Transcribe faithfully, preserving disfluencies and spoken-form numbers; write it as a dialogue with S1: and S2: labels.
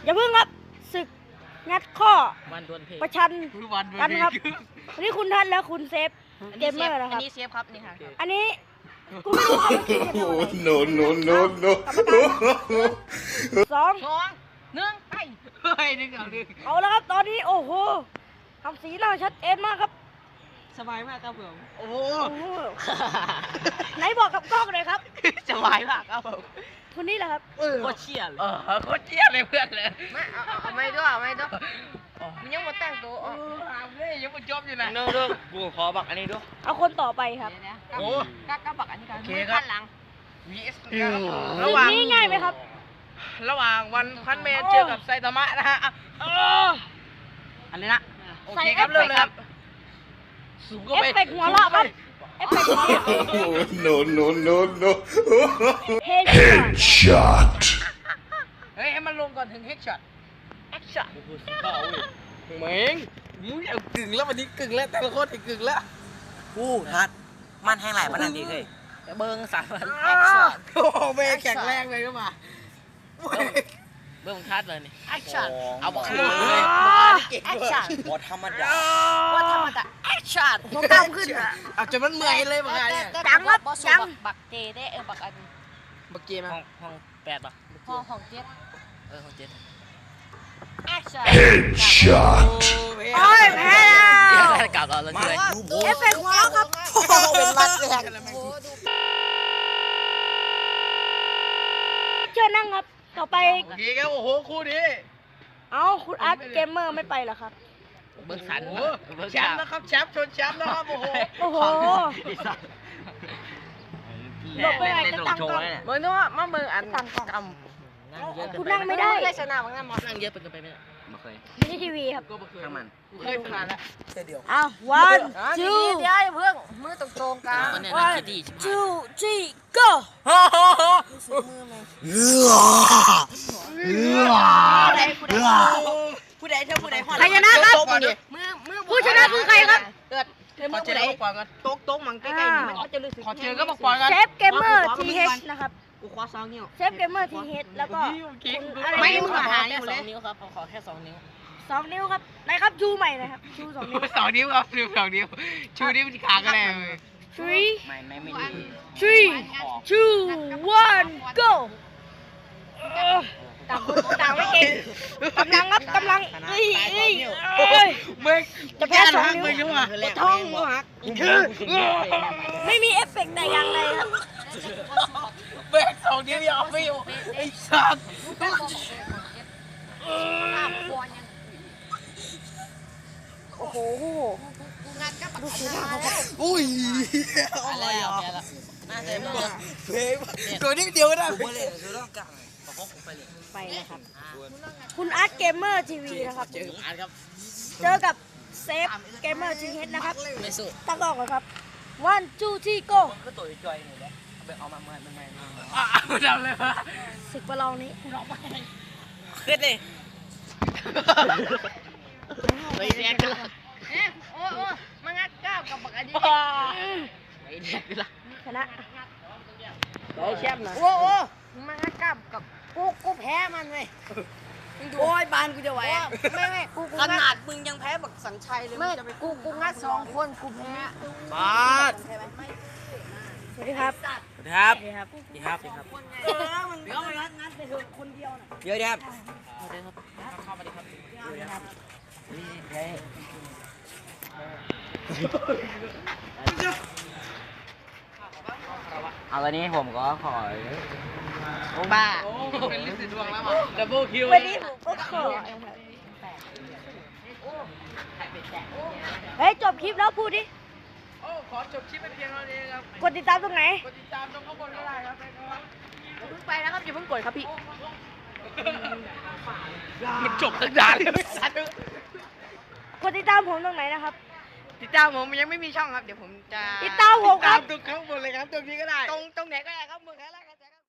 S1: อย่าเพิ่งครับศึกงัดข้อ
S2: วันดวลเพลง
S1: ประชัน
S3: วัน
S1: กันครับอันนี้คุณทัศน์และคุณเซฟเกมเมอร์นะค
S2: อั
S1: รั
S2: น
S1: บ
S2: นี้เซฟครับนี่ค่ะ
S1: อันนี้กูไม่รู้ครับว่าคิดกันเท่าไหร่
S4: no no no no
S1: สอง
S2: สองหนึ่งไป
S3: เฮ้ยนึกเอาดิ
S1: เอาแล้วครับตอนนี้โอ้โหทำสีหน้าชัดเจนมากครับ
S3: สบายมากครับผมโอ้โห
S1: โอ้โหไหนบอกกับกล้องเลยครับ
S3: สบายมากครับผม
S1: คนนี้แหละครับ
S2: โคตรเชี่ยเลย
S3: เออโคตรเจี๊ยบเลยเพื่อนเลย
S2: มาเอาเอาไม่ด้วยเอาไม่ด้วยมันยังมาแต่งตัว
S3: โอ้เอาเลยยังไม่จบอยู่นะ
S2: เนื้อเรื่องกูขอบักอันนี้ด้วย
S1: เอาคนต่อไปครับ
S3: โอ้
S2: กักกักบักอันนี้กัน
S3: โอเคครับ
S2: ข้างหลัง
S3: วีเอส
S1: ศึ
S3: ระ
S1: ก
S3: หว่าง
S1: นี้ง่ายไหมครับ
S3: ระหว่างวันพันเมตรเจอกับไซตามะนะฮะอ่ะเอออันนี้นะโอเคครับเริ่มเลยครับสูงก็
S1: เอฟ
S3: ไป
S1: เฟกต์หัวเราะครับเอฟเฟกต์หัวเราะ
S4: no no no no
S1: เฮดช็อต
S4: headshot
S3: เฮ้ยให้มันลงก่อนถึงเฮดช็อต
S1: แอคชั่น
S3: เหม่งมึงเอากึ่งแล้ววันนี้กึ่งแล้วแต่ละคนอีกกึ่งแล้ว
S2: กูทัดมันแห้งไหลมันนั่นดีเลยเบิ้งสามพัน
S3: โอ้โหเมย์แข็งแรงเลยก็มา
S2: เบิ้งทัดเลยนี่
S1: แอคชั่น
S2: เอาบัก
S3: คื
S2: คื
S3: อน
S2: เลย
S1: แอคชั่น
S2: บอธรรมดาบอธรรมดาแอคชั่น
S1: ผมกล้ามขึ้นอ่ะ
S3: เอาจนมันเมื่อยเลยบักไงเนี่ย
S1: จังครับจัง
S2: บักเจได้เออบักอัน
S3: บักเกม
S2: ห้องห้องแปดป่ะ
S1: ห้องของเจ็ด
S2: เออห้องเจ็ด
S1: แอคชั่น
S4: headshot
S1: โอ้ยแพ้แล้ว
S2: กลับเราแล้วเลย
S1: เอฟเฟกต์หัวเราะครับ
S2: เป็นมัดแรก
S1: เชิญนั่งครับ ต่อไป
S3: โอเคครับโอ้โหคู่นี้
S1: เอ้าคุณอาร์ตเกมเมอร์ไม่ไปเหรอครับ
S2: เบิ้งสัน
S3: โอ้โหแชมป์นะครับแชมป์ชนแชมป์นะครับโอ้โห
S1: โอ้โหหลบไปไหนก็ตั้งกล้อง
S2: เบิ้งด้วยมาเบิ้งอัน
S1: ตั้งกล้อง
S2: กำนั่งเยอะ
S1: คุณนั่งไม่ได้
S2: ได้ชนะบ้างนะมอสนั่งเยอะเป็นกันไปไม่ได้ไม่เคย
S1: ไม่ใช่ทีวีครับ
S3: ก็เคย
S2: ข้างมัน
S3: เคยผ่านแล้ว
S2: เดียว
S1: อ้าว one
S2: จู
S1: two
S2: เดี๋ยวเพิ่งมือตรงๆกัน
S1: one two three go
S2: ผู้ใดเท่าผู้ใด
S1: ใครชนะครับ
S2: มือมือ
S1: ผู้ชนะคือใครครับ
S2: เกิด
S3: ขอเจอก็บอกก่อนกันโต๊ะโต๊ะมันใกล้ๆนี่มัน
S2: เขาจะรู้สึก
S3: ขอเจอก็บอกก่อนกัน
S1: เซฟเกมเมอร์ทีเอชนะครับ
S2: กูคว้าสองนิ้ว
S1: เซฟเกมเมอร์ทีเอชแล้วก็คุณอะไร
S2: ไม่
S1: ไม่
S2: มึ
S1: รู้
S2: ง
S1: อะ
S2: หาแค่สองนิ้วครับขอแค่สองนิ้ว
S1: สองนิ้วครับไหนครับชูใหม่หนะครับชูสองนิ้ว
S3: สองนิ้วครับนิ้วสองนิ้วชูนิ้วที่ขาก็ได้เลย
S1: three
S2: ไม่ไม่ไม่ดี
S1: three two one go เออต่างคนต่างไม่เก่งกำลังครับกำลังเอ้ยเอ้ยเอ้ย
S3: เมื่อ
S1: จะแพ้สองนิ้ว
S3: มึงยังวะ
S2: ท้องมือหัก
S1: ไม่มีเอฟเฟกต์แต่อย่างใดครับ
S3: เมื่อสองนิ้วยังเอาไม่อยู่ไอ้สัตว์
S1: โอ้โห
S3: อุ้ย
S2: อะไรอ่ะแพ้ละน่าจะเมื่อ
S3: เพลงตัวนิดเดียวก็ได้
S2: ผมเลยคือต้องกลางบอกว่าผมไปเลย
S1: ไปเลยครับ คุณอาร์ตเกมเมอร์ทีวีนะครับ
S2: เจออาร์ตครับ
S1: เจอกับเซฟเกมเมอร์ทีเอชนะครับ
S2: ไม่สู้
S1: ตั้งกล้องก่อนครับ one two three go
S2: ก็ตัวจอยหน่อยแล้วไปเอามาเมื่อเมื่อเมื่อ
S3: อ่ะไม่ทำเลยวะ
S1: ศึกประลองนี้
S2: ขึ้นเลยไปแดกกันละโอ้โอ้มางัดก้าวกับบักอันนี้ไปแดกกันละ
S1: ชนะ
S2: ไปแชมป์นะโอ้โอ้มางัดก้าวกับกูกูแพ้มันเลยโอ้ยบานกูจะไหวไม่ไม่กูขนาดมึงยังแพ้บักสัญชัยเลยไม่กูกูงัดสองคนกูแพ้
S3: บาส
S1: สวัสดีครับ
S2: สวัสดีครับ
S1: สวัสดีครับ
S2: สวัสดีครับสวัสดีครับ
S1: เดี๋ยวงัดงัดไปเถอะคนเดียวน่ะ
S2: เยอะครับสวัสดีครับเข้ามาดีครับสวัสดีครับเฮ้ยเอาวันนี้ผมก็ขอบ้า
S3: โอ้เป็นลิสต์ดวงแล้วมั้งดับเบิลคิว
S1: วันนี้ผมก็ขอเฮ้ยจบคลิปแล้วพูดดิ
S3: โอ้ขอจบคลิปไปเพียงเท่านี้ครับ
S1: กดติดตามตรงไหน
S3: กดติดตามตรงข้างบนก็ได้ครับ
S1: อย่าเพิ่งไปนะครับอย่าเพิ่งกดครับพี่
S3: มันจบตั้งนานเลยสัตว์
S1: กดติดตามผมตรงไหนนะครับ
S3: ติดตามผมยังไม่มีช่องครับ เดี๋ยวผมจะ
S1: ติดตามผมครับ
S3: ตามตรงข้างบนเลยครับตรงนี้ก็ได้ ตรงตรงไหนก็ได้ครับมึงแค่